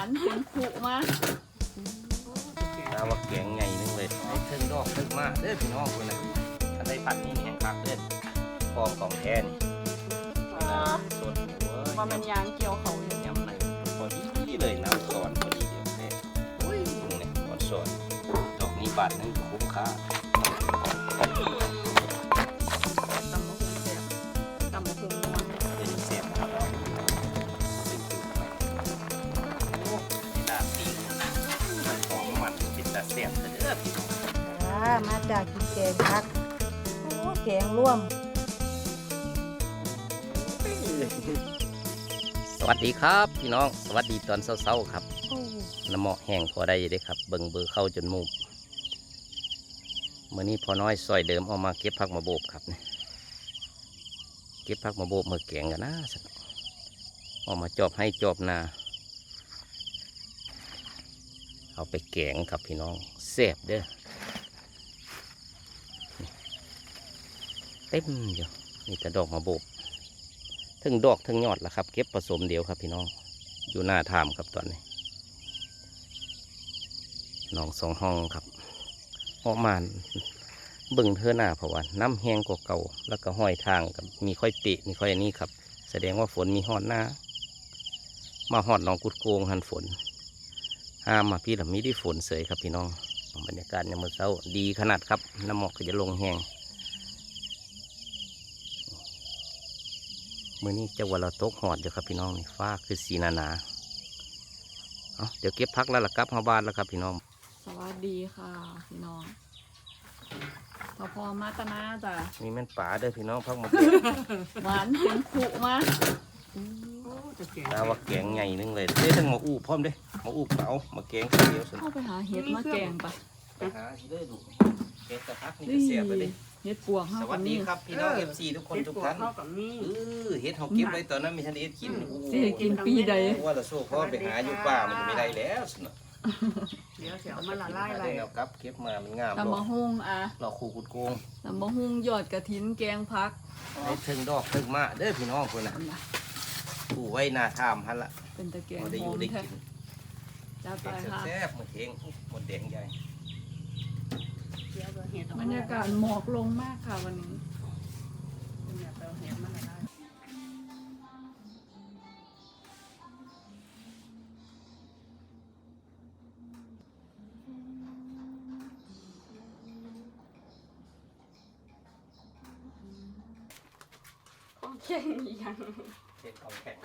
านเสียงขุมาน้าว่าแกงใหญ่นึงเลยไอ้เทิงดอกเทิงมาเด้อพี่น้องคนน่ะถ้าได้ผัดนี่แห้งคักเด้อพร้อมของแท้นี่สดหัวว่ามันยางเกี่ยวเขาอยู่ยำในพอดีเลยน้ำซอนพอดีเดียวแท้อุ้ยเนี่ยพอซอนดอกนี้บาทนึงคุ้มค่าตำมะฮุงเสียตำมะฮุงนวลเป็นเสียบครับเราเป็นจุดไปโอ้ยน่าตีมันหอมมันเป็นตาเสียบเด้อพี่น้องมาจากกินแกงพักโอ้แกงร่วมสวัสดีครับพี่น้องสวัสดีตอนเช้าๆครับโอ้น้ำเหมาะแห้งพอได้อยู่เด้ครับเบิ่งเบอร์เข้าจนมุมเมื่อนี้พอน้อยซอยเดิมเอามาเก็บผักมาโบกครับเนี่ยเก็บผักมาโบกมาแกงกันนะสักเอามาจอบให้จอบนาเอาไปแกงครับพี่น้องแซ่บเด้อเต็มอยู่นี่แต่ดอกมาโบกทั้งดอกทั้งยอดละครับเก็บผสมเดียวครับพี่น้องอยู่หน้าถามครับตอนนี้น้อง2 ห้องครับออกมาเบิ่งเธอหน้าเพราะว่าน้ำแห้งกว่าเก่าแล้วก็ห้อยทางกับมีค่อยเปะมีค่อยอันนี้ครับแสดงว่าฝนมีหอดหน้ามาหอดน้องกุดโกงหันฝนห้ามมาพี่ละมีได้ฝนเสยครับพี่น้องบรรยากาศยามมื้อเช้าดีขนาดครับน้ำหมอกก็จะลงแห้งมื้อนี้จะวันเราตกหอดอยู่ครับพี่น้องนี่ฟ้าคือสีหนาๆเอาเดี๋ยวเก็บพักแล้วล่ะครับเฮาบ้านแล้วครับพี่น้องสวัสดีค่ะพี่น้องพอมาตนาจ้ะนี่แม่นป่าเด้อพี่น้องพักมาหวานเสียงขุมาน้าว่าแกงใหญ่นึงเลยเด้ทั้งหมาอู้พร้อมเด้หมาอู้เปล่ามาแกงเดียวสิเข้าไปหาเห็ดมาแกงปะไปหาสิเด้อดูแกงตะพักนี่ก็เสียบไปเลยเห็ดปวกสห้าวักัสบดีนี่ครับพี่น้อง FC ทุกคนทุกท่านเฮ็ดเฮาเก็บไว้ตอนนั้นมีทันได้เฮ็ดกินสิให้กินปีใดว่าเราสู้พ่อไปหาอยู่ป่ามันก็ไม่ได้แล้วสิเนาะเดี๋ยวเสียวมันละลายมาเลได้ยแนวครับเก็บมามันงามตำมะฮุงอ่ะเราคู่กุดโกงตำมะฮุงยอดกระถินแกงพักให้ถึงดอกถึงมาเด้อพี่น้องคนน่ะผู้ไว้หน้าทามหั่นล่ะเป็นตะแกงพอได้หออยู่ มได้แท้กินจ้าไปเก็บค่ะแซ่บๆหมดเทงหมดแดงใหญ่เดี๋ยวเห็ดบรรยากาศหมอกลงมากค่ะวันนี้เห็ดมันละลายของแข็งอีกอย่างเทของแข็ง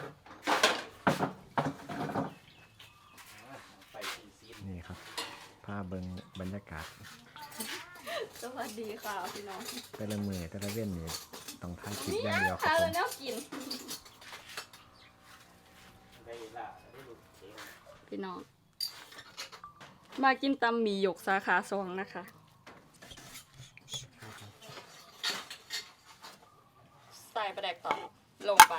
ไปซีนนี่ครับภาพเบิงบรรยากาศสวัสดีค่ะพี่น้องแต่ละมือแต่ละเว้นนี่ต้องถ่ายคลิปอย่างเดียวครับทานผแล้วมเนาะกินได้ละได้ลูกเทงพี่น้อง มากินตำหมี่หยกสาขา2นะคะ ใส่ประแดกต่อลงไป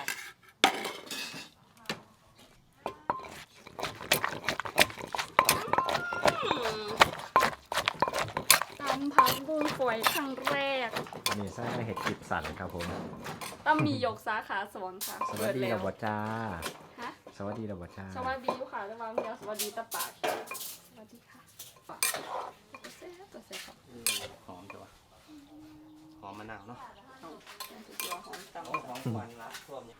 ตำผักบุ้งฝอยครั้งแรกนี่ใส่มาเห็ดคลิปสั่นครับผมตำหมี่หยกสาขา2ค่ะสวัสดีแล้ระบจ้าฮะสวัสดีระบจ้าสวัสดีค่ะระวังเดียวสวัสดีตะปากสวัสดีค่ะปากเซ่บเซ่บครับหอมจังวะหอมมะนาวเนาะนั่นคือตัวหอมตำโอ้หอมควันละท่วมเนี่ย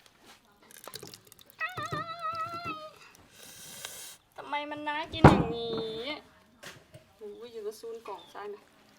ทำไมมันน่ากินอย่างนี้โอ้ยอยู่กับซูนกล่องใช่ไหม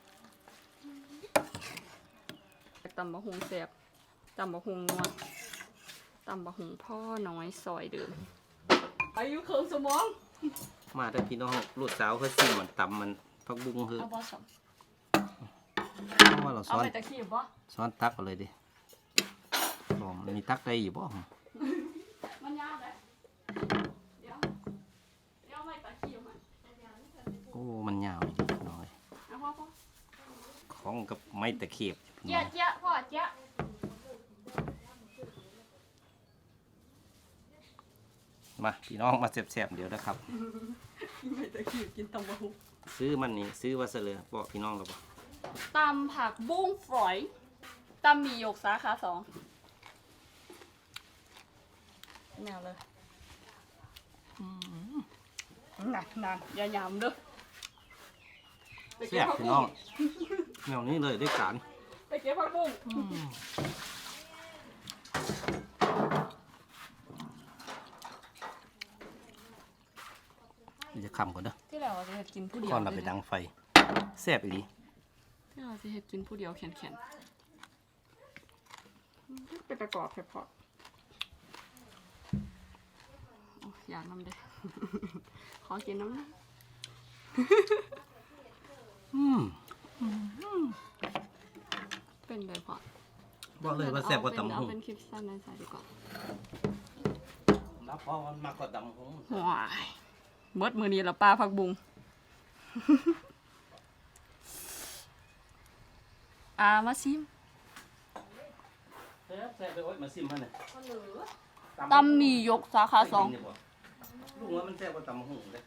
ตำบะฮุงแซ่บตำบะฮุงนวลตำบะฮุงพ่อน้อยซอยเดิมอายุเคิงสมองมาแต่พี่น้องลูกสาวเขาซิมมันตำมันพักบุ้งคือเอาบอสเพราะว่าเราเอาซ้อนไปตะขี้บอซ้อนตักกันเลยดิลองมีตักได้อยู่บ่มันยาวเลยเดี๋ยวเอาไปตะขี้มาโอ้มันยาวหน่อยเอาพ่อของกับไม้ตะเข็บเจ๊ะเจ๊ะพ่อเจ๊ะมาพี่น้องมาแซ่บๆเดี๋ยวนะครับไม่ตะขี้กินตำบะฮุงซื้อมันนี่ซื้อว่าเสลอบอกพี่น้องเราบอกตำผักบุ้งฝอยตำหมี่หยกสาขา2แนวเลยหนักอย่าหยำเด้อแซ่บพี่น้องแนวนี้เลยได้การไปเก็บผักบุ้งจะคำก่อนเด้อที่เราจะเห็ดกินผู้เดียวก่อนเราไปดังไฟแซ่บอีหลีที่เราจะเห็ดกินผู้เดียวแข็งๆเป็นประกอบเฉพาะอยากน้ำเด้ ขอกินน้ำนะ เป็นเลยพอบอกเลยว่าแซ่บกว่าตำเอาหุ่งเป็นคลิปสั้นในสายดีกว่ารับเพราะมันมากกว่าตำหุ่งว้ายเบิดมือนี้ละป้าผักบุง มาซิมแซ่บไปโอ๊ยมาซิมพันเลยตำมียกสาขาสองลุงว่ามันแซ่บกว่าตำหุ่งเลย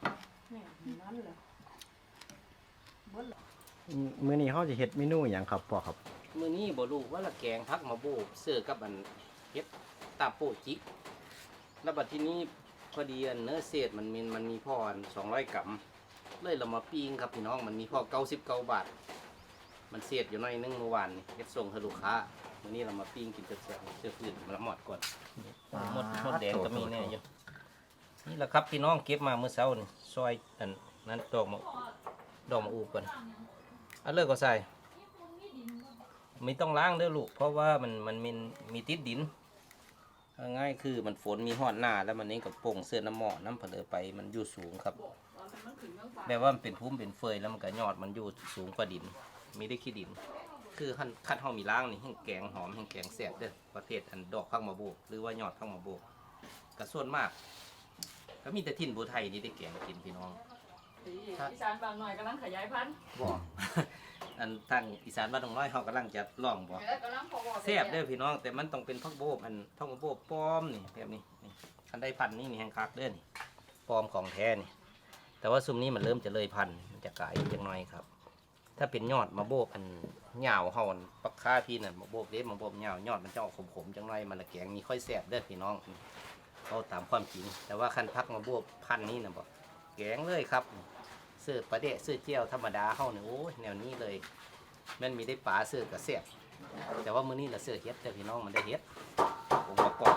มื้อนี้เขาจะเฮ็ดเมนูอย่างครับพ่อครับมื้อนี้บ่รู้ว่าละแกงพักมาโบกเสื้อกับอันเฮ็ดตาโปะจิกแล้วบัดทีนี้พอดีอันเนื้อเศษมันมีพ่ออัน200 กรัมเลยเรามาปิ้งครับพี่น้องมันมีพ่อ99 บาท มันเศษอยู่หน่อยนึงเมื่อวานนี่เฮ็ดส่งให้ลูกค้ามื้อนี้เรามาปิ้งกินเสื้อฟืนมาละหมดก่อนหมดแดงก็มีแน่อยู่นี่แหละครับพี่น้องเก็บมาเมื่อเช้านี่ซอยอันนั้นดอกมะอูก่อนเอาเลิกก็ใส่ไม่ต้องล้างเด้อลูกเพราะว่ามันมีติดดินง่ายคือมันฝนมีหอดหน้าแล้วมันนี่กับโป่งเสื้อน้ำหมอน้ำเผลอไปมันอยู่สูงครับแบบว่ามันเป็นพุ่มเป็นเฟยแล้วมันก็ยอดมันอยู่สูงกว่าดินมีได้ขี้ดิน คือขั้นเฮามีล้างนี่แห้งแกงหอมแห้งแกงแซ่บเด้อประเภทอันดอกพักมาโบกหรือว่ายอดพักมาโบกกระส่วนมากก็มีแต่ทิ่นบัวไทยนี่ได้แกงกินพี่น้องอีสานบางหน่อยกำลังขยายพันธุ์บอก อันทางอีสานบ้านดงน้อยเขากำลังจะล่องบอกกำลังพอบอกแซ่บเด้อพี่น้องแต่มันต้องเป็นพักโบกอันพักมาโบกปลอมนี่แบบนี้นี่อันได้พันนี่นี่แห้งคักเด้อนี่ปลอมของแท้นี่แต่ว่าซุมนี้มันเริ่มจะเลยพันมันจะกลายจังน้อยครับ ถ้าเป็นยอดมาโบกอันเหงาเฮาอันปักค่าพี่นั่นมาโบกเด็ดมาโบกเหงายอดมันจะออกขมๆจังน้อยมันละแกงมีค่อยแซ่บเด้อพี่น้องเขาตามความจริงแต่ว่าคันพักมาโบกพันนี่นะบอกแกงเลยครับเสื้อปลาเดะเสื้อเจียวธรรมดาเฮาเนี่ยโอ้ยแนวนี้เลยมันมีได้ปลาเสื้อกระเสียบแต่ว่ามื้อนี้เราเสื้อเฮ็ดแต่พี่น้องมันได้เฮ็ดองค์ประกอบ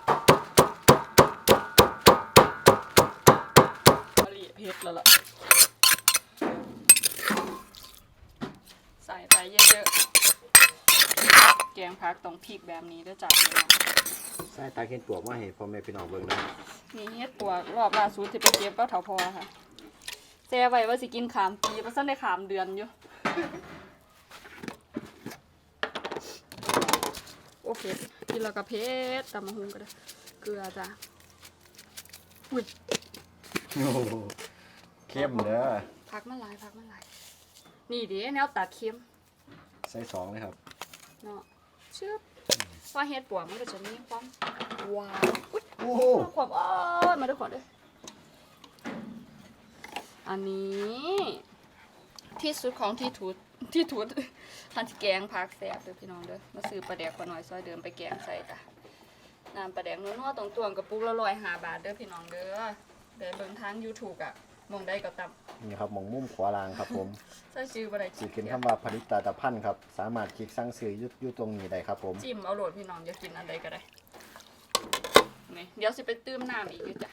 ผลิตเพชรแล้วล่ะใส่ไปเยอะๆแกงพักต้องพริกแบบนี้ด้วยจ้ะพี่น้องใส่ตาเห็นปวกมาให้พ่อแม่พี่น้องเบิ่งนะมีเฮ็ดตัวรอบล่าสุดที่ไปเก็บก็เถาพอค่ะแซ่ไว้ว่าสิกินขามปีเพราะซั่นได้ขามเดือนอยู่ โอเคกินแล้วก็เพชรตำมะฮุงก็ได้เกลือจ้ะอุ้ยโอ้โหเข้มเด้อพักมันหลายนี่เด้แนวตัดเค็มใส่2เลยครับเนาะชึบพอเฮ็ดปวกมันก็จะมีความหวานอุ๊ยโอ้โหความมาด้วยก่อนเด้ออันนี้ที่สุดของที่ทุดทันที่แกงผักแซ่บเด้อพี่น้องเด้อมาซื้อปลาแดกขอหน่อยซอยเดิมไปแกงใส่จ้ะน้ำปลาแดกนัวๆตรงๆกระปุกละ105 บาทเด้อพี่น้องเด้อเดี๋ยวเบิ่งทาง YouTube อ่ะมองได้ก็ตำนี่ครับหม่องมุมขวาล่างครับผมใส่ชื่อบ่ได้สิขึ้นคำว่าผลิตภัณฑ์ครับสามารถคลิกสั่งซื้ออยู่ตรงนี้ได้ครับผมจิ้มเอาโหลดพี่น้องอยากกินอันใดก็ได้นี่เดี๋ยวสิไปตื้มน้ำอีกอยู่จ้ะ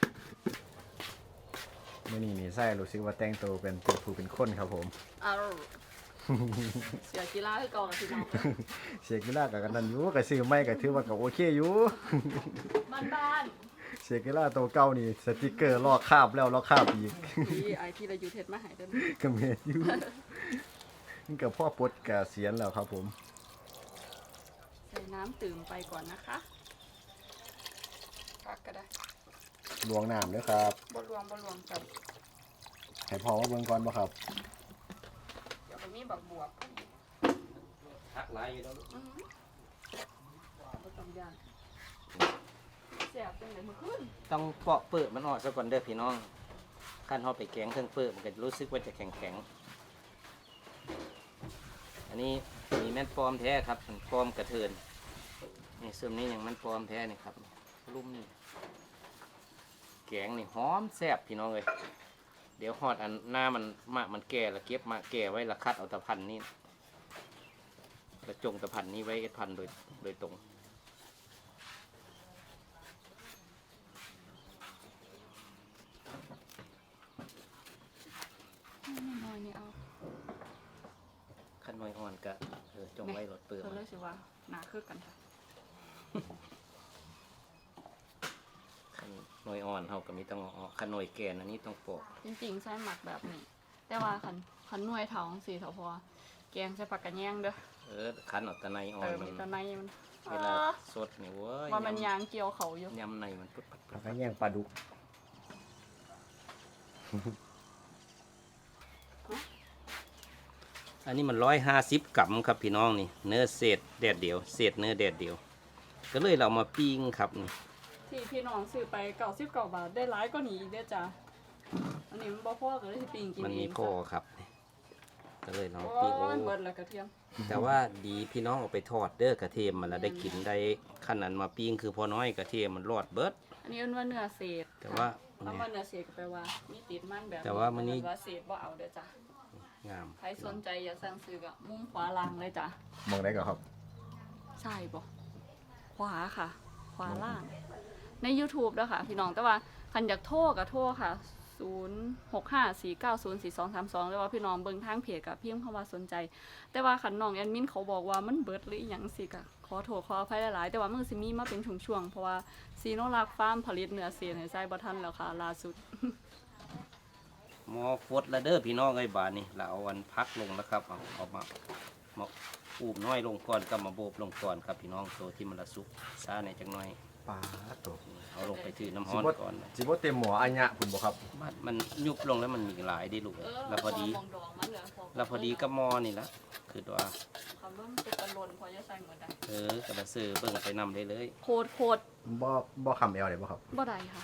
มื้อนี้นี่ใส่รู้สึกว่าแต่งตัวเป็นผู้เป็นคนครับผมเอาเสียกีฬาให้ก่อนพี่น้องเสียกีฬากับกันนั่นอยู่ก็ซื้อไม่ก็ถือว่าก็โอเคอยู่บ้านเสียกีฬาตัวเก่านี่สติกเกอร์ลอกคราบแล้วลอกคราบอีกๆนี่ไอที่เราอยู่เทศมาใหายเด้อก็เมดอยู่นี่กับพ่อปลดกเสียนแล้วครับผมใส่น้ำตื่มไปก่อนนะคะพักก็ได้ลวงน้ำด้วยครับบ่รวมกันให้พ่อว่าเบิ่งก่อนบ่ครับเดี๋ยวมันมีบักบวบทักหลายอยู่แล้วลูกบ่ต้องย่านแซ่บจังได๋มื้อคืนต้องเปาะเปิดมันออกซะก่อนเด้อพี่น้องขั้นเฮาไปแกงเครื่องเปิดมันก็รู้สึกว่าจะแข็งอันนี้มีแม่นปลอมแท้ครับมันปลอมกระเทินนี่ซึ่งนี้ยังมันปลอมแท้นี่ครับลุ่มนี่แกงนี่หอมแซ่บพี่น้องเลยเดี๋ยวฮอดอันหน้ามันมากมันแก่แล้วเก็บมาแก่ไว้และคัดเอาตะพันนี่แล้วจงตะพันนี้ไว้เอ็ดพันโดยตรงน้อยนี่เอาขั้นน้อยอ่อนก็จงไว้รถเปลือกเธอเลยสิว่าหนาคือกันค่ะขั้นน้อยอ่อนเขาก็มีต้องเอาขั้นน้อยแก่นอันนี้ต้องปอกจริงๆใส่หมักแบบนี้ แต่ว่าขันหน่วยเถาสีเถาพอแกงใส่ผักกระแยงเด้อขั้นออกตะไนอ่อเอน อมันมีแตะในมันเวลาสดนี่เว้ยว่ามันยางเกี่ยวเขาอยู่ยำในมันปุ๊บแล้วก็แย่งปลาดุกอันนี้มัน150 กรัมครับพี่น้องนี่เนื้อเศษแดดเดียวเศษเนื้อแดดเดียว ก็เลยเรามาปิ้งครับนี่ที่พี่น้องซื้อไป99 บาทได้หลายก็หนีอีกเด้อจ้ะอันนี้มันบ่พอก็เลยสิปิ้งกินมันเอมีงพ่อครับก็เลยเราโอ้ปิ้งโอ้ยเบิดแล้วกระเทียมแต่ว่าดีพี่น้องเอาไปทอดเด้อกระเทียมมันแล้วได้กินได้ขั้นนั้นมาปิ้งคือพอน้อยกระเทียมมันรอดเบิดอันนี้เอิ้นว่าเนื้อเศษแต่ว่าคำว่าเนื้อเศษก็แปลว่ามีติดมันแบบแต่ว่ามื้อนี้ว่าเศษบ่เอาเด้อจ้ะงามใครสนใจอย่าสั่งซื้อก็มุมขวาล่างเลยจ้ะมองได้ก่อนครับใช่บ่ขวาค่ะ ขวาล่าง ใน YouTube ด้วยค่ะ พี่น้องแต่ว่าคันอยากโทรก็โทรค่ะ 0654904232หรือว่าพี่น้องเบิ่งทางเพจกับพิมพ์คำว่าสนใจ แต่ว่าคันน้องแอดมินเขาบอกว่ามันเบิดหรืออหยังสิก็ขอโทษขออภัยหลายๆแต่ว่ามันสิมีมาเป็นช่วงๆเพราะว่าซีโนรักฟาร์มผลิตเนื้อเสียให้ใส่บ่ทันแล้วค่ะล่าสุดหมอฟดแล้วเด้อพี่น้องไอ้บาดนี่เราเอาอันพักลงแล้วครับเอามาอูบน้อยลงก่อนก็มาโบบลงก่อนครับพี่น้องตัวที่มันละสุกซ่าในจังน้อยปลาตัวเอาลงไปถือน้ำสิฮ้อนบ่ก่อนสิบ่เต็มหมออัญญะคุณบ่ครับมันยุบลงแล้วมันมีหลายได้ลูกแล้วพอดีมองดองมันเหลือแล้วพอดีก็หมอนี่ละคือว่าคำว่ามันเป็นตะลนพอจะใส่หมดได้กระสือเบิ่งไปนำได้เลยโคตรบ่คำเอลเลยบ่ครับบ่ได้ค่ะ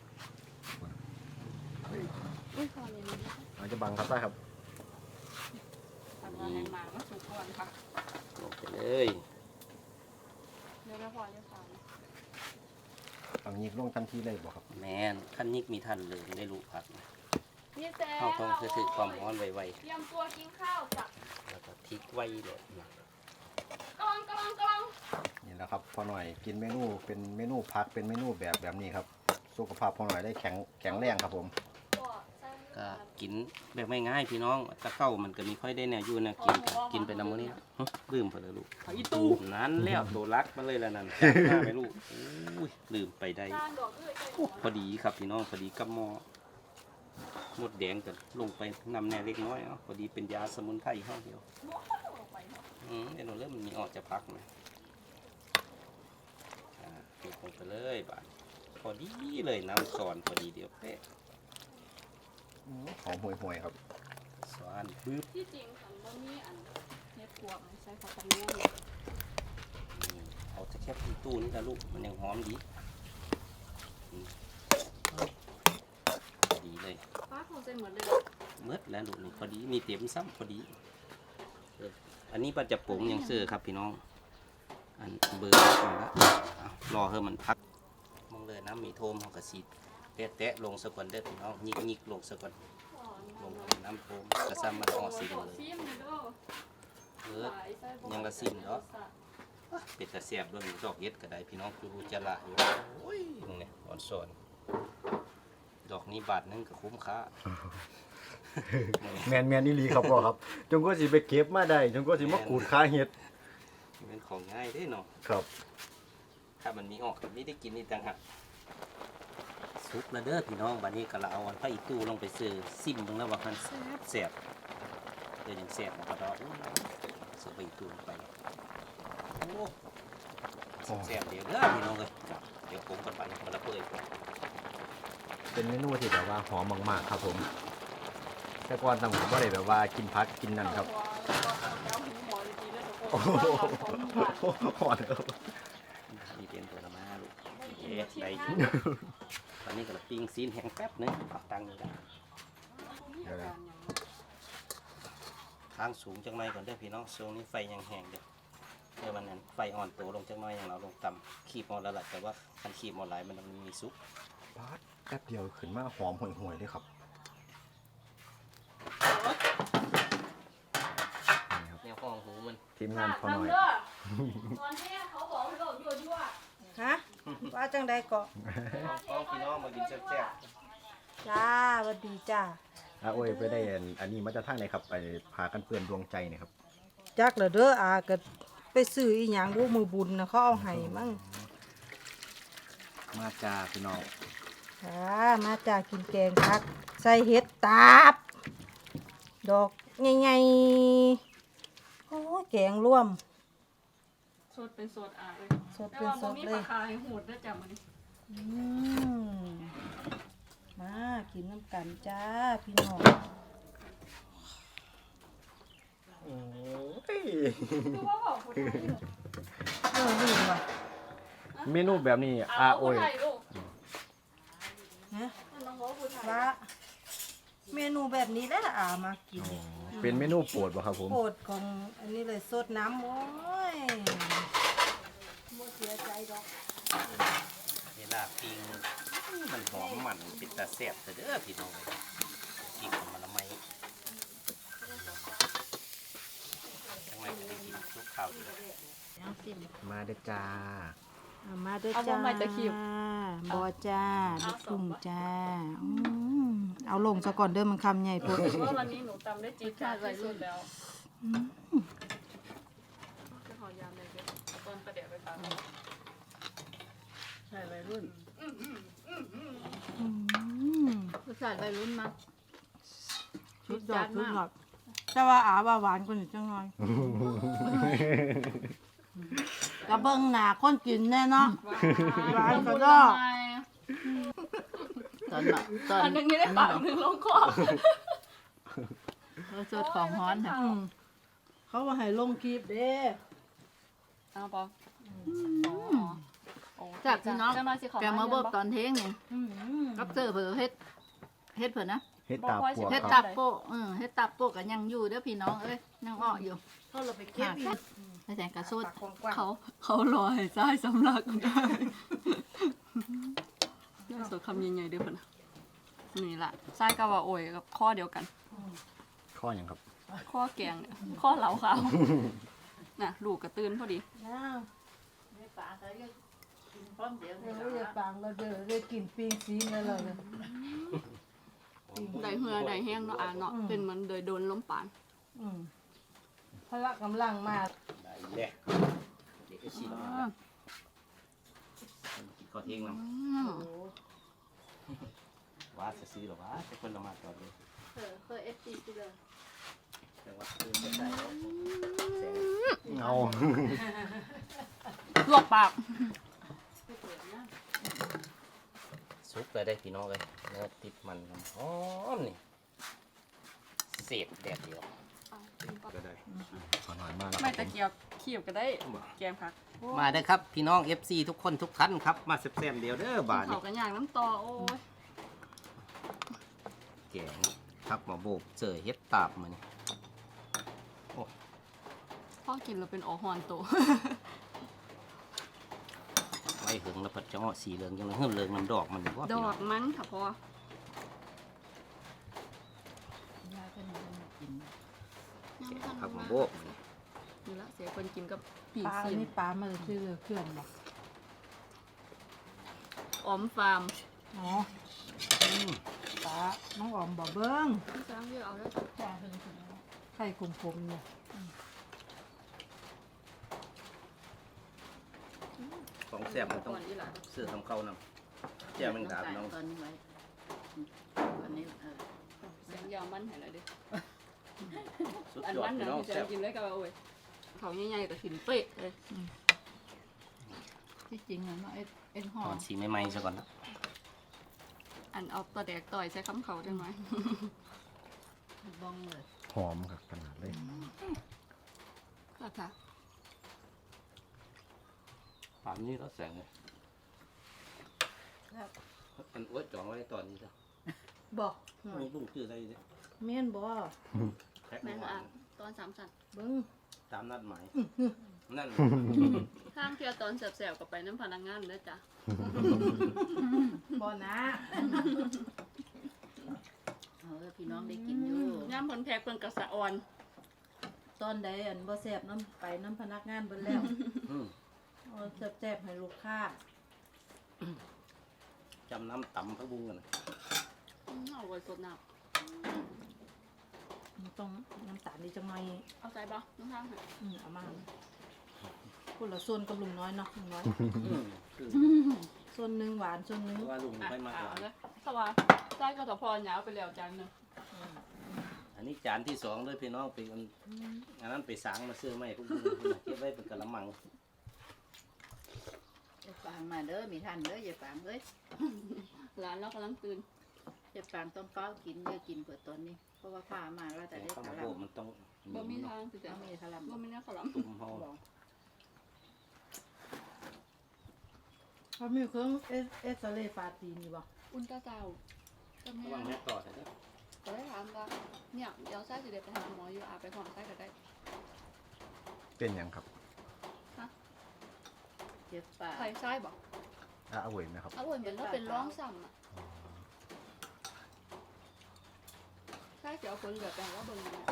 อุ้ยพอเลยนี่อาจจะบังครับได้ครับทำงานแรงมาก็สุกก่อนค่ะลงไปเลยเดี๋ยวไม่พอจะฟังบังยิกลงทันทีเลยบ่ครับแมนขั้นยิกมีทันเลยได้ลูกผักนะนี่แจ๊เข้าต้องคือถือความร้อนไวเตรียมตัวกินข้าวจ้ะๆแล้วก็ทิ้งไว้เลยนะกำลังนี่แหละครับพอหน่อยกินเมนูเป็นเมนูพักเป็นเมนูแบบนี้ครับสุขภาพพอหน่อยได้แข็งแรงครับผมก็กินแบบไม่ง่ายพี่น้องตะเข้ามันก็มีค่อยได้แนวอยู่นะกินไปนำมื้อนี้ลืมไปเลยลูกเอาอีตู้นั้นแล้วตัวรักมาเลยแล้วนั่นจับมาไปลูกอุ้ยลืมไปได้จานดอกด้วยพอดีครับพี่น้องพอดีกับหม้อหมดแดงกันลงไปนำแน่เล็กน้อยเนาะพอดีเป็นยาสมุนไพรห้องเดียวเดี๋ยวเราเริ่มมีออกจะพักนะปิดลงไปเลยบาดพอดีเลยน้ำซอนพอดีเดียวเป๊ะหอมห่วยๆครับซอนปึ๊บที่จริงค่ะบ่มีอันเฮ็ดพวกใส่ผักกระเทียมนี่เอาจะแค่ที่ตู้นี่ละลูกมันยังหอมดีดีเลยป้าคงใส่หมดเลยเมื่อแล้วลูกนี่พอดีมีเต็มซ้ำพอดีอันนี้ปัจจะปรุงยังเสื้อครับพี่น้องอันเบอร์มาแล้วรอให้มันพักมองเลยน้ำมีโทมเขากระสีแตะลงสะก่อนเด้อพี่น้องยิกลงสะก่อนลงน้ำโทมกระซ้ำมันออกสีเลยยังละสิมเนาะเป็ดตะเสียบด้วยดอกเย็ดก็ได้พี่น้องคือจะละอยู่โอ้ยเนี่ยอ่อนสอนดอกนี้บาทนึงก็คุ้มค่าแมนอีหลีครับพ่อครับจงก็สิไปเก็บมาได้จงก็สิมาขูดขาเห็ดเป็นของง่ายได้เนาะครับถ้ามันมีออกแบบนี้ได้กินนี่ต่างหากซุปแล้วเด้อพี่น้องบัดนี้ก็เราเอาอันไผ่ตู้ลงไปซื้อซิมตรงแล้วว่ามันแซ่บเดี๋ยวยังแซ่บนะครับเราซื้อไปตู้ลงไปโอ้แซ่บเดี๋ยวเด้อพี่น้องเลยเดี๋ยวผมกันไปมันละเปื่อยเป็นเมนูที่แบบว่าหอมมากๆครับผม แต่ก่อนต้องผมก็เลยแบบว่ากินพักกินนั่นครับโอ้โหหอนครับนี่เป็นตัวละมาลูกเอ๊ะได้ตอนนี้ก็ปิ้งซีนแห้งแป๊บนึงเอาตังค์นี่กันทางสูงจังไรก่อนเด้อพี่น้องช่วงนี้ไฟยังแห้งเด้อเดี๋ยวมันนั้นไฟอ่อนตัวลงจังน้อยอย่างเราลงต่ำขีบอ่อนแล้วแหละแต่ว่าคันขีบอ่อนหลายมันมีซุปป๊บเดียวขึ้นมาหอมห่วยๆเลยครับนี่ครับแนวของหูมันทีมงานพอหน่อยตอนนี้เขาบอกให้เราอยู่ด้วยฮะว่าจังใดเกาะของพี่น้องมากินแซ่บจ้าสวัสดีจ้าโอ้ยไปได้อันนี้มาจากทางไหนครับไปพากันเปื้อนดวงใจเนี่ยครับจักเหรอเด้ออาก็ไปซื้ออีหยังบ่มือบุญนะเขาเอาให้มั่งมาจ้าพี่น้องจ้ามาจ้ากินแกงผัก ใส่เห็ดตาบ ดอกใหญ่ๆโอ้ยแกงร่วมสดเป็นสดอ่ะเลยสดแต่เป็นว่าสบ่ดมีเลปลาย คาให้หูดด้วยจ้ะมันอืมมากินน้ำกันจ้าพี่น้องโอ้ยคือว่าบอกคนไทยอยู่ลืมว่ะเมนูแบบนี้โอ้ยคนไทยลูกฮะมันต้องบอกคนไทยว่าเมนูแบบนี้แหละอามากินเป็นเมนูโปรดป่ะครับผมโปรดของอันนี้เลยสดน้ำโอ้ยเวลาปิ้งมันหอมมันเป็นตาแซ่บเด้อพี่น้องปิ้งมันละไมทำไมจะได้กินทุกข้าวดีมาเด้อจ้าเอามาด้วยจ้าบอจ้าลูกทุ่งจ้าอืมเอาลงซะก่อนเด้อมันคำใหญ่พดเพราะว่าวันนี้หนูตำได้จี๊ดจ้าดที่สุดแล้วจะขอยามเลยเดี๋ยวเอาต้นประเดี๋ยวไปฝากเขาใช่วัยรุ่นอืมรสชาติวัยรุ่นมากชุดยอดชุดยอดแต่ว่าอาว่าหวานกว่านี้จังหน่อยกระเบิ้งหน้าคนกินแน่เนาะ หวานกระดอกตอนแบบตอนอันหนึงนี่ได้ปากหนึ่งลงคอรสชาติของฮ้อนค่ะอืมเขาว่าให้ลงคลิปเด้เอาปอจากพี่น้องจังหน่อยสิขอแกมาเบิกตอนเที่ยงนี่อืมกับเจอเผื่อเฮ็ดเผื่อนะเฮ็ดตาปวกเฮ็ดคตัรับบโปะเฮ็ดตับโปะกันยังอยู่เด้อพี่น้องเอ้ยยังอ้ออยู่เขาเราไปเก็บอีกไอ้แสงกระสุดปากกว้างๆเขารอให้ซ้ายสำลักได้น่าสดคำใหญ่ๆเด้อเพิ่นน่ะนี่ล่ะซ้ายกับว่าโอยกับข้อเดียวกันข้ออย่างครับข้อแกงเนี่ยข้อเหลาขาวน่ะลูกกระตื้นพอดีอ้าวปลาใส่กินพร้อมเดี๋ยวเดี๋ยวอย่าปังเราเดี๋ยวได้กินปิ้งซีนแล้วเลยได้เหือได้แห้งเนาะอ่ะเนาะเป็นเหมือนโดยโดนล้มปานอืมพละกำลังมาได้แหละเด็กก็ชิมแล้วกินข้าวเที่ยงน้ำว่าจะซื้อหรอวะแต่คนละมาตอนนี้เคยFT กูเลยแต่ว่าคืนจะใส่แล้วแสงเอาลวกปากซุปเลยได้พี่น้องเลยเนื้อติดมันหอมนี่เศษแดดเดียวก็ได้ขอหน่อยมากแล้วไม่ตะเกียบเขียบก็ได้แกมผักมาเด้อครับพี่น้อง FC ทุกคนทุกท่านครับมาแซ่บๆเดียวเด้อบาทเขานี่กันอย่างน้ำตอโอ้ยแกงทักมาโบกเจอเฮ็ดตาบมานี่พ่อกินเราเป็นออฮอนโตไว้หึงแล้วพัดจะเงาะสีเหลืองจังเลยเฮือเหลืองน้ำดอกมันว่าดอกมันค่ะพ่อยายเป็นกินทักมาโบกมานี่นี่ละเสียคนกินกับปีปลาซีนนี่ปลามันชื่อเคลื่อนบ่ออมฟาร์มอ๋อปลาน้องออมบ่เบิ้งพี่ช้างพี่เอาได้ปลาไข่คมๆเนี่ยของแซ่บมันต้องก่อนอีหล่ะเสื้อทำเข้านำแจ่วแมงดาพี่น้องตอนนี้ไว้ตอนนี้เสียงยาวมันให้เลยดิสุดอันยอดมันพี่นะน้องพี่แซ่จะบกินได้กับโอ้ยเขาใหญ่ๆแต่หินเป๊ะเลยที่จริงเนาะเอ็นหอตอมนสีใหม่ๆซะก่อนนะอันเอาตัวแดกต่อยใช้คำเขาจังไหมบ้องเลยหอมครับขนาดเลยค่ะค่ะป่านนี้เราแสงเลยมันอวดจองไว้ตอนนี้จ้ะบ่มีลุงชื่ออะไรเนี่ยเมียนบ่แพ็คแม่นหวาอ่ะนตอน3 สัตว์เบิ้งตามนัดหมายนั่นข้างเที่ยวตอนแสบๆกับไปน้ำพนักงานเด้อจ้ะบ่นะพี่น้องได้กินอยู่ย่ำผลแพกเพิ่นกระสะอ่อนตอนใดอันบ่แซ่บน้ำไปน้ำพนักงานเบิ่แล้วอืมเอาแซ่บๆให้ลูกค้าจำน้ำตำพักบุ้งกันนะเอาไว้สดน้มันต้องน้ำตาลดีจังหน่อยำเอาใจบ่น้ำทางค่ะเอามาคนละส่วนกับลุงน้อยเนาะลุงน้อยคือส่วนหนึงหวานส่วนหนึงเพราะว่าลุงไม่มากหวานเลยเพราะว่าใจก็ตะพอหยาวไปแล้วจานหนึงอันนี้จานที่สองเลยพี่น้องไปอันนั้นไปสางมาเสื้อไหมพวกบุ้งเก็บไว้เป็นกะละมังอย่าฟังมาเด้อมีท่านเด้ออย่าฟังเอ้ยร้านเรากำลังตื่นอย่าฟังต้องเฝ้ากินอย่ากินเปิดตอนนี้เพราะว่าพามาเราจะแต่ได้ข้าวทะโพลัดมันต้องบ่มีทางสิต้จ้ะองมีทะลัมบ่มีแนวขาวหลามตุ่มห่อเขามีเครื่องเอสเรย์ฟาตีนอยู่บ่อุ่นตาเจ้าก็ระแม่วังแม่ต่อใช่ไหมก็ได้ถามว่าเนี่ยเดี๋ยวไส้สิเดี๋ยวไปหาหมออยู่อาไปหอมไส้ก็ได้เป็นหยังครับเจ็บปากใส่ไส้บอกเอาเว้ยนะครับเอาเหมือนเราเป็นร้องซ้ำอ่ะไส้เดี๋ยวคนเหลือแต่ว่าเบิ่งอยู่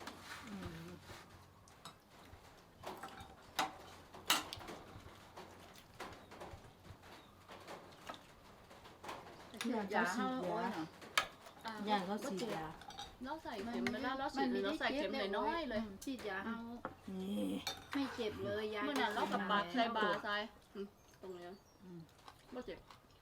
ยาเฮาโอ้ยเนาะย่างเขาสีดยาเราใส่เข็มเวลาเราฉีดเราใส่เข็มน้อยๆเลยฉีดยาเฮานี่ไม่เจ็บเลยยาเมื่อนั้นเรากับบาดใส่บาใส่ตรงนี้บ่เจ็บ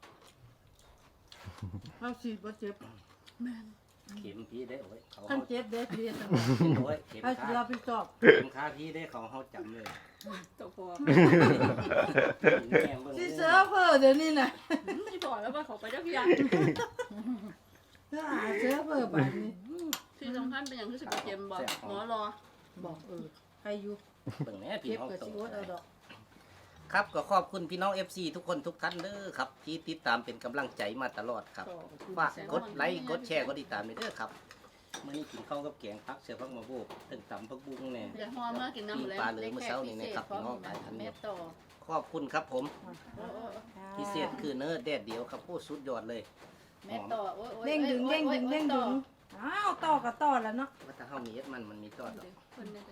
เขาสีบ่เจ็บเข็มพี่ได้โอ้ยเขาขั้นเจ็บเด็ดเรียนโอ้ยเข็มเอาขาเราไปสอบเข็มขาพี่ได้เขาเขาจำเลยตัวพอแง่เบิ่งสิเสือเพ้อเดี๋ยวนี้น่ะที่พอแล้วว่าเขาไปเจ้าพี่ยังเสือหาเสือเพ้อบัดนี้ที่สำคัญเป็นอย่างที่สิบเข็มบอกหมอรอบอกใครอยู่เบิ่งแน่พี่เก็บน้องกับตสิโอดเอาดอกครับก็ขอบคุณพี่น้อง FC ทุกคนทุกท่านเด้อครับที่ติดตามเป็นกำลังใจมาตลอดครับฝากกดไลค์กดแชร์กดติดตามไปเด้อครับมื้อนี้กินข้าวกับแกงผักเสือผักมะโบกตึงตำผักบุ้งแน่เดี๋ยวหอมมากินน้ำหมดแล้วปลาเหลือมื้อเช้านี่นะครับพี่น้องหลายท่านแม่เนี่ยต่อขอบคุณครับผมโอ้พิเศษคือเนื้อแดดเดียวครับผู้สุดยอดเลยแม่ต่อโอ้ยเด้งดึงเด้งดึงเด้งดึงอ้าวต่อกับต่อแล้วเนาะว่าถ้าเฮามีเอ็ดมันมีตอดดอกคนเนี่ย